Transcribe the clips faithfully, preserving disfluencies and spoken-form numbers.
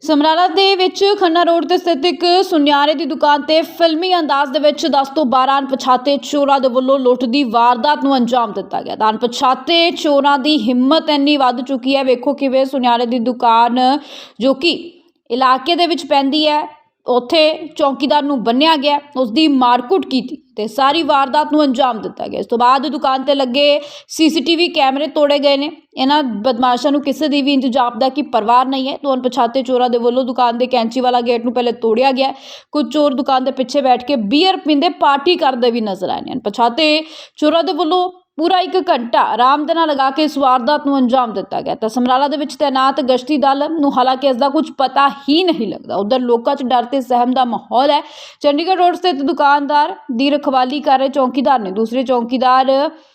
ਸਮਰਾਲਾ ਦੇ ਵਿੱਚ ਖੰਨਾ ਰੋਡ ਤੇ ਸਥਿਤ ਇੱਕ ਸੁਨਿਆਰੇ ਦੀ ਦੁਕਾਨ ਤੇ ਫਿਲਮੀ ਅੰਦਾਜ਼ ਦੇ ਵਿੱਚ ਦਸ ਤੋਂ ਬਾਰਾਂ ਅਣਪਛਾਤੇ ਚੋਰਾਂ ਦੇ ਵੱਲੋਂ ਲੁੱਟ ਦੀ ਵਾਰਦਾਤ ਨੂੰ ਅੰਜਾਮ ਦਿੱਤਾ ਗਿਆ। ਤਾਂ ਅਣਪਛਾਤੇ ਚੋਰਾਂ ਦੀ ਹਿੰਮਤ ਇੰਨੀ ਵੱਧ ਚੁੱਕੀ ਹੈ। ਵੇਖੋ ਕਿਵੇਂ ਸੁਨਿਆਰੇ ਦੀ ਦੁਕਾਨ ਜੋ ਕਿ ਇਲਾਕੇ ਦੇ ਵਿੱਚ ਪੈਂਦੀ ਹੈ, ਉੱਥੇ ਚੌਕੀਦਾਰ ਨੂੰ ਬੰਨਿਆ ਗਿਆ, ਉਸ ਦੀ ਮਾਰਕੁੱਟ ਕੀਤੀ ਤੇ ਸਾਰੀ ਵਾਰਦਾਤ ਨੂੰ ਅੰਜਾਮ ਦਿੱਤਾ ਗਿਆ। ਇਸ ਤੋਂ ਬਾਅਦ ਦੁਕਾਨ ਤੇ ਲੱਗੇ ਸੀਸੀਟੀਵੀ ਕੈਮਰੇ ਤੋੜੇ ਗਏ ਨੇ। ਇਹਨਾਂ ਬਦਮਾਸ਼ਾਂ ਨੂੰ ਕਿਸੇ ਦੀ ਵੀ ਇੰਤਜ਼ਾਮ ਦਾ ਕੀ ਪਰਵਾਹ ਨਹੀਂ ਹੈ। ਤੋਂ ਅਣਪਛਾਤੇ ਚੋਰਾਂ ਦੇ ਵੱਲੋਂ ਦੁਕਾਨ ਦੇ ਕੈਂਚੀ ਵਾਲਾ ਗੇਟ ਨੂੰ ਪਹਿਲੇ ਤੋੜਿਆ ਗਿਆ। ਕੁਝ ਚੋਰ ਦੁਕਾਨ ਦੇ ਪਿੱਛੇ ਬੈਠ ਕੇ ਬੀਅਰ ਪੀਂਦੇ ਪਾਰਟੀ ਕਰਦੇ ਵੀ ਨਜ਼ਰ ਆਏ ਨੇ। ਅਣਪਛਾਤੇ ਚੋਰਾਂ ਦੇ ਵੱਲੋਂ ਪੂਰਾ ਇੱਕ ਘੰਟਾ ਆਰਾਮ ਦੇ ਨਾਲ ਲਗਾ ਕੇ ਇਸ ਵਾਰਦਾਤ ਨੂੰ ਅੰਜਾਮ ਦਿੱਤਾ ਗਿਆ। ਤਾਂ ਸਮਰਾਲਾ ਦੇ ਵਿੱਚ ਤੈਨਾਤ ਗਸ਼ਤੀ ਦਲ ਨੂੰ ਹਾਲਾਂਕਿ ਇਸ ਦਾ ਕੁਝ ਪਤਾ ਹੀ ਨਹੀਂ ਲੱਗਦਾ। ਉਧਰ ਲੋਕਾਂ 'ਚ ਡਰ ਤੇ ਸਹਿਮ ਦਾ ਮਾਹੌਲ ਹੈ। ਚੰਡੀਗੜ੍ਹ ਰੋਡ ਸਥਿਤ ਦੁਕਾਨਦਾਰ ਦੀ ਰਖਵਾਲੀ ਕਰ ਰਹੇ ਚੌਕੀਦਾਰ ਨੇ ਦੂਸਰੇ ਚੌਕੀਦਾਰ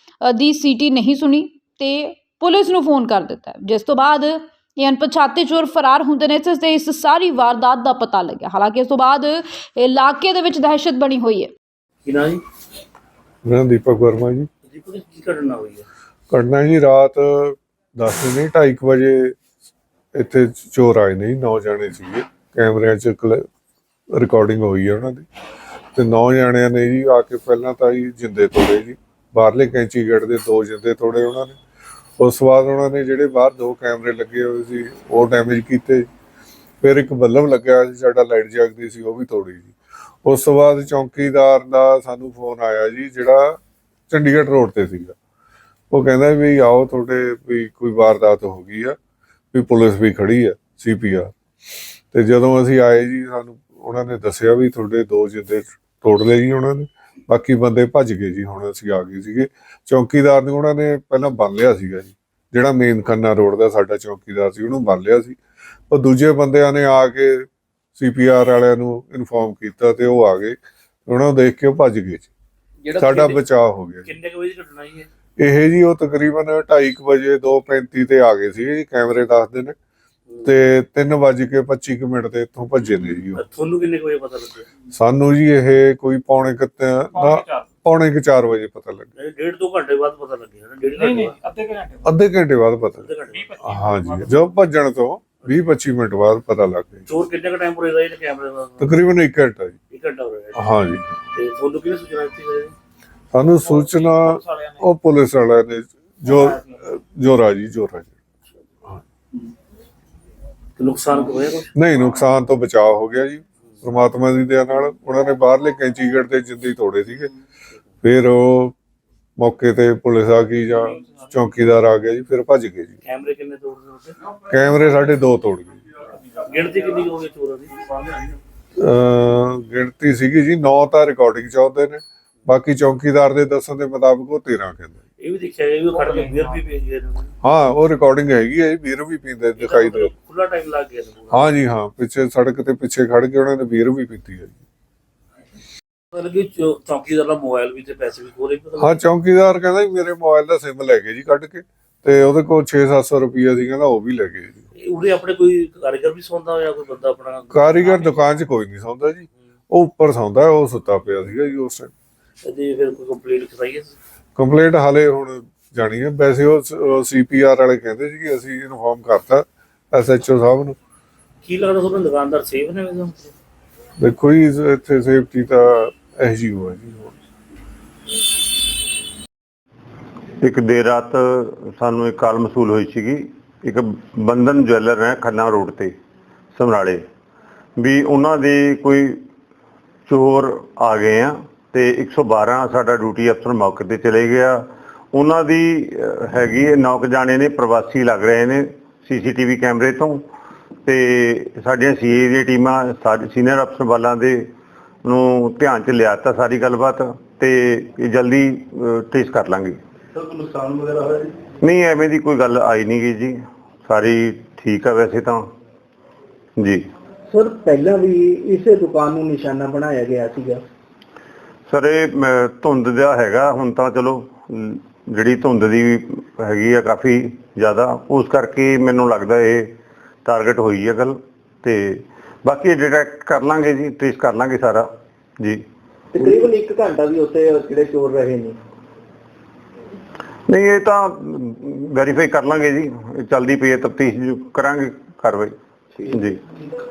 ਦੀ ਸੀਟੀ ਨਹੀਂ ਸੁਣੀ ਤੇ ਪੁਲਿਸ ਨੂੰ ਫੋਨ ਕਰ ਦਿੱਤਾ, ਜਿਸ ਤੋਂ ਬਾਅਦ ਇਹ ਅਣਪਛਾਤੇ ਚੋਰ ਫਰਾਰ ਹੁੰਦੇ ਨੇ ਤੇ ਇਸ ਸਾਰੀ ਵਾਰਦਾਤ ਦਾ ਪਤਾ ਲੱਗਿਆ। ਹਾਲਾਂਕਿ ਇਸ ਤੋਂ ਬਾਅਦ ਇਲਾਕੇ ਦੇ ਵਿੱਚ ਦਹਿਸ਼ਤ ਬਣੀ ਹੋਈ ਹੈ। ਕੀ ਨਾਂ ਜੀ? ਮੈਂ ਦੀਪਕ ਵਰਮਾ ਜੀ। ਦੀਪਕ ਜੀ, ਕੀ ਘਟਨਾ ਹੋਈ ਹੈ? ਘਟਨਾ ਜੀ ਰਾਤ ਦਸ ਨਹੀਂ ਢਾਈ ਕੁ ਵਜੇ ਇੱਥੇ ਚੋਰ ਆਏ ਨੇ, ਨੌ ਜਾਣੇ ਸੀਗੇ। ਕੈਮਰਿਆਂ 'ਚ ਰਿਕਾਰਡਿੰਗ ਹੋਈ ਹੈ ਉਹਨਾਂ ਦੀ ਤੇ ਨੌ ਜਾਣਿਆਂ ਨੇ ਜੀ ਆ ਕੇ ਪਹਿਲਾਂ ਤਾਂ ਜੀ ਜਿੰਦੇ ਤੋੜੇ ਜੀ, ਬਾਹਰਲੇ ਕੈਂਚੀ ਗੇਟ ਦੇ ਦੋ ਜਿੰਦੇ ਤੋੜੇ ਉਹਨਾਂ ਨੇ। ਉਸ ਤੋਂ ਬਾਅਦ ਉਹਨਾਂ ਨੇ ਜਿਹੜੇ ਬਾਹਰ ਦੋ ਕੈਮਰੇ ਲੱਗੇ ਹੋਏ ਸੀ ਉਹ ਡੈਮੇਜ ਕੀਤੇ। ਫਿਰ ਇੱਕ ਬੱਲਬ ਲੱਗਿਆ ਹੋਇਆ ਸੀ ਸਾਡਾ, ਲਾਈਟ ਜਗਦੀ ਸੀ, ਉਹ ਵੀ ਤੋੜੀ ਜੀ। ਉਸ ਤੋਂ ਬਾਅਦ ਚੌਂਕੀਦਾਰ ਦਾ ਸਾਨੂੰ ਫੋਨ ਆਇਆ ਜੀ, ਜਿਹੜਾ ਚੰਡੀਗੜ੍ਹ ਰੋਡ ਤੇ ਸੀਗਾ। ਉਹ ਕਹਿੰਦਾ ਵੀ ਆਓ, ਤੁਹਾਡੇ ਵੀ ਕੋਈ ਵਾਰਦਾਤ ਹੋ ਗਈ ਆ, ਵੀ ਪੁਲਿਸ ਵੀ ਖੜੀ ਆ, ਸੀ ਪੀ ਆਰ। ਤੇ ਜਦੋਂ ਅਸੀਂ ਆਏ ਜੀ, ਸਾਨੂੰ ਉਹਨਾਂ ਨੇ ਦੱਸਿਆ ਵੀ ਤੁਹਾਡੇ ਦੋ ਜਿੰਦੇ ਤੋੜ ਲਏ ਜੀ ਉਹਨਾਂ ਨੇ, ਬਾਕੀ ਬੰਦੇ ਭੱਜ ਗਏ ਜੀ। ਹੁਣ ਅਸੀਂ ਆ ਗਏ ਸੀਗੇ। ਚੌਕੀਦਾਰ ਨੂੰ ਉਹਨਾਂ ਨੇ ਪਹਿਲਾਂ ਬੰਨ ਲਿਆ ਸੀਗਾ ਜੀ, ਜਿਹੜਾ ਮੇਨ ਖੰਨਾ ਰੋਡ ਦਾ ਸਾਡਾ ਚੌਕੀਦਾਰ ਸੀ, ਉਹਨੂੰ ਬੰਨ ਲਿਆ ਸੀ। ਉਹ ਦੂਜੇ ਬੰਦਿਆਂ ਨੇ ਆ ਕੇ ਸੀ ਪੀ ਆਰ ਵਾਲਿਆਂ ਨੂੰ ਇਨਫੋਰਮ ਕੀਤਾ ਤੇ ਉਹ ਆ ਗਏ, ਉਹਨਾਂ ਨੂੰ ਦੇਖ ਕੇ ਉਹ ਭੱਜ ਗਏ ਜੀ। ਸਾਡਾ ਬਚਾਅ ਹੋ ਗਿਆ। ਕਿੰਨੇ ਵਜੇ ਦੀ ਘਟਨਾ ਹੈ ਇਹ ਜੀ? ਉਹ ਤਕਰੀਬਨ ਢਾਈ ਕੁ ਵਜੇ ਦੋ ਪੈਂਤੀ ਤੇ ਆ ਗਏ ਸੀ ਜੀ, ਕੈਮਰੇ ਦੱਸਦੇ ਨੇ, ਤੇ ਤਿੰਨ ਵੱਜ ਕੇ ਪੱਚੀ ਕੁ ਮਿੰਟ ਤੇ ਇੱਥੋਂ ਭੱਜੇ ਨੇ ਜੀ। ਤੁਹਾਨੂੰ ਕਿੰਨੇ ਵਜੇ ਪਤਾ ਲੱਗਿਆ? ਸਾਨੂੰ ਜੀ ਇਹ ਕੋਈ ਪੌਣੇ ਕੁ ਪੌਣੇ ਕੁ ਚਾਰ ਵਜੇ ਪਤਾ ਲੱਗਿਆ। ਡੇਢ ਦੋ ਘੰਟੇ ਬਾਅਦ ਪਤਾ ਲੱਗਿਆ? ਨਹੀਂ ਨਹੀਂ, ਅੱਧੇ ਘੰਟੇ ਅੱਧੇ ਘੰਟੇ ਬਾਅਦ ਪਤਾ ਲੱਗਿਆ। ਹਾਂਜੀ, ਜੋ ਭੱਜਣ ਤੋਂ ਵੀਹ ਪੱਚੀ ਮਿੰਟ ਬਾਅਦ ਪਤਾ ਲੱਗ ਗਿਆ। ਚੋਰ ਕਿੰਨੇ ਕ ਟਾਈਮ ਪੁਰੇ ਰਹੇ ਨੇ ਕੈਮਰੇ ਦਾ? ਤਕਰੀਬਨ ਇੱਕ ਘੰਟਾ ਜੀ। ਇੱਕ ਘੰਟਾ ਹੋ ਗਿਆ? ਹਾਂਜੀ। ਤੇ ਤੁਹਾਨੂੰ ਕਿਹਨੇ ਸੂਚਨਾ ਦਿੱਤੀ? ਸਾਨੂੰ ਸੂਚਨਾ ਉਹ ਪੁਲਿਸ ਵਾਲਿਆਂ ਨੇ, ਜੋ ਜੋਰਾ ਜੀ ਜੋਰਾ ਜੀ। ਨੁਕਸਾਨ ਹੋਇਆ ਕੁਛ? ਨਹੀਂ, ਨੁਕਸਾਨ ਤੋਂ ਬਚਾਅ ਹੋ ਗਿਆ ਜੀ, ਪ੍ਰਮਾਤਮਾ ਦੀ ਦਇਆ ਨਾਲ। ਉਹਨਾਂ ਨੇ ਬਾਹਰਲੇ ਕੈਂਚੀ ਗੇਟ ਤੇ ਜਿੰਦੇ ਤੋੜੇ ਸੀਗੇ। ਫਿਰ ਉਹ ਮੌਕੇ ਤੇ ਪੁਲਿਸ ਆ ਗਈ ਜਾਂ ਚੌਕੀਦਾਰ ਆ ਗਿਆ ਜੀ, ਫਿਰ ਭੱਜ ਗਏ ਜੀ। ਕੈਮਰੇ ਕਿੰਨੇ ਤੋੜਦੇ? ਕੈਮਰੇ ਸਾਡੇ ਦੋ ਤੋੜ ਗਏ। ਗਿਣਤੀ ਕਿੰਨੀ ਹੋ ਗਈ ਚੋਰਾਂ ਦੀ? ਅਹ ਗਿਣਤੀ ਸੀਗੀ ਜੀ ਨੌ ਤਾਂ ਰਿਕਾਰਡਿੰਗ ਚ ਆਉਂਦੇ ਨੇ, ਬਾਕੀ ਚੌਕੀਦਾਰ ਦੇ ਦੱਸਣ ਦੇ ਮੁਤਾਬਕ ਉਹ ਤੇਰਾਂ ਕਹਿੰਦੇ। ਇਹ ਵੀ ਦੇਖਿਆ ਗਿਆ ਵੀ ਖੜ ਕੇ ਬੀਅਰ ਵੀ ਪੀ ਗਏ ਨੇ। ਹਾਂ, ਉਹ ਰਿਕਾਰਡਿੰਗ ਹੈਗੀ ਹੈ, ਬੀਅਰ ਵੀ ਪੀਂਦੇ ਦਿਖਾਈ ਦੇ। ਖੁੱਲਾ ਟਾਈਮ ਲੱਗ ਗਿਆ? ਹਾਂ ਜੀ, ਹਾਂ, ਪਿੱਛੇ ਸੜਕ ਤੇ ਪਿੱਛੇ ਖੜ ਕੇ ਉਹਨਾਂ ਨੇ ਬੀਅਰ ਵੀ ਪੀਤੀ ਹੈ ਜੀ। ਮਤਲਬ ਕਿ ਚੌਕੀਦਾਰ ਦਾ ਮੋਬਾਈਲ ਵੀ ਤੇ ਪੈਸੇ ਵੀ ਖੋਲੇ? ਹਾਂ, ਚੌਕੀਦਾਰ ਕਹਿੰਦਾ ਮੇਰੇ ਮੋਬਾਈਲ ਦਾ ਸਿਮ ਲੈ ਗਏ ਜੀ ਕੱਢ ਕੇ, ਤੇ ਉਹਦੇ ਕੋਲ ਛੇ ਸੱਤ ਸੌ ਰੁਪਈਆ ਸੀ, ਕਹਿੰਦਾ ਉਹ ਵੀ ਲੈ ਗਏ ਜੀ। ਉਰੇ ਆਪਣੇ ਕੋਈ ਕਾਰੀਗਰ ਵੀ ਸੌਂਦਾ ਹੋਇਆ? ਕੋਈ ਬੰਦਾ ਆਪਣਾ ਕਾਰੀਗਰ ਦੁਕਾਨ 'ਚ ਕੋਈ ਨਹੀਂ ਸੌਂਦਾ ਜੀ, ਉਹ ਉੱਪਰ ਸੌਂਦਾ, ਉਹ ਸੁੱਤਾ ਪਿਆ ਸੀਗਾ ਜੀ ਉਸ ਟਾਈਮ। ਤੇ ਫਿਰ ਕੋਈ ਕੰਪਲੇਂਟ ਕਰਾਈ ਹੈ? ਕੰਪਲੇਂਟ ਹਾਲੇ ਹੁਣ ਜਾਣੀ ਹੈ। ਵੈਸੇ ਉਹ ਸੀ ਪੀ ਆਰ ਵਾਲੇ ਕਹਿੰਦੇ ਸੀ ਕਿ ਅਸੀਂ ਇਨਫੋਰਮ ਕਰਤਾ ਐਸ ਐਚ ਓ ਸਾਹਿਬ ਨੂੰ। ਕੀ ਲੱਗਦਾ ਤੁਹਾਨੂੰ ਦੁਕਾਨਦਾਰ ਸੇਫ ਨੇ? ਦੇਖੋ ਜੀ, ਇੱਥੇ ਸੇਫਟੀ ਤਾਂ ਇਹੋ ਜਿਹੀ ਹੋਇਆ ਜੀ। ਇੱਕ ਦੇਰ ਰਾਤ ਸਾਨੂੰ ਇੱਕ ਕਾਲ ਮਸੂਲ ਹੋਈ ਸੀਗੀ, ਇੱਕ ਬੰਧਨ ਜਵੈਲਰ ਹੈ ਖੰਨਾ ਰੋਡ ਤੇ ਸਮਰਾਲੇ, ਵੀ ਉਹਨਾਂ ਦੇ ਕੋਈ ਚੋਰ ਆ ਗਏ ਆ ਤੇ ਇੱਕ ਸੌ ਬਾਰਾਂ ਸਾਡਾ ਡਿਊਟੀ ਅਫਸਰ ਮੌਕੇ ਤੇ ਚਲੇ ਗਿਆ। ਉਹਨਾਂ ਦੀ ਹੈਗੀ ਨੌ ਕੁ ਜਾਣੇ ਨੇ, ਪ੍ਰਵਾਸੀ ਲੱਗ ਰਹੇ ਨੇ ਸੀ ਸੀ ਟੀ ਵੀ ਕੈਮਰੇ ਤੋਂ, ਤੇ ਸਾਡੀਆਂ ਸੀ ਏ ਦੀਆਂ ਟੀਮਾਂ ਸਾਡੇ ਸੀਨੀਅਰ ਅਫਸਰ ਵਾਲਾਂ ਦੇ ਨੂੰ ਧਿਆਨ 'ਚ ਲਿਆ ਤਾ ਸਾਰੀ ਗੱਲਬਾਤ, ਤੇ ਇਹ ਜਲਦੀ ਟ੍ਰੇਸ ਕਰ ਲਾਂਗੇ। ਸਰ, ਕੋਈ ਨੁਕਸਾਨ ਵਗੈਰਾ ਹੋਇਆ ਜੀ? ਨਹੀਂ, ਐਵੇਂ ਦੀ ਕੋਈ ਗੱਲ ਆਈ ਨਹੀਂ ਗਈ ਜੀ, ਸਾਰੀ ਠੀਕ ਆ ਵੈਸੇ ਤਾਂ ਜੀ। ਸਰ, ਪਹਿਲਾਂ ਵੀ ਇਸੇ ਦੁਕਾਨ ਨੂੰ ਨਿਸ਼ਾਨਾ ਬਣਾਇਆ ਗਿਆ ਸੀਗਾ? ਸਰ, ਇਹ ਧੁੰਦ ਦਾ ਹੈਗਾ, ਹੁਣ ਤਾਂ ਚਲੋ ਜਿਹੜੀ ਧੁੰਦ ਦੀ ਹੈਗੀ ਆ ਕਾਫੀ ਜ਼ਿਆਦਾ, ਉਸ ਕਰਕੇ ਮੈਨੂੰ ਲੱਗਦਾ ਇਹ ਟਾਰਗੇਟ ਹੋਈ ਹੈ ਗੱਲ, ਤੇ ਬਾਕੀ ਡਿਟੈਕਟ ਕਰ ਲਾਂਗੇ ਜੀ, ਟ੍ਰੇਸ ਕਰ ਲਾਂਗੇ ਸਾਰਾ ਜੀ। ਤਕਰੀਬਨ ਇੱਕ ਘੰਟਾ ਵੀ ਉੱਥੇ ਜਿਹੜੇ ਚੋਰ ਰਹੇ ਨੇ? ਨਹੀਂ, ਇਹ ਤਾਂ ਵੈਰੀਫਾਈ ਕਰ ਲਾਂਗੇ ਜੀ, ਚੱਲਦੀ ਪਈ ਹੈ ਤਫਤੀਸ਼, ਕਰਾਂਗੇ ਕਾਰਵਾਈ। ਜੀ।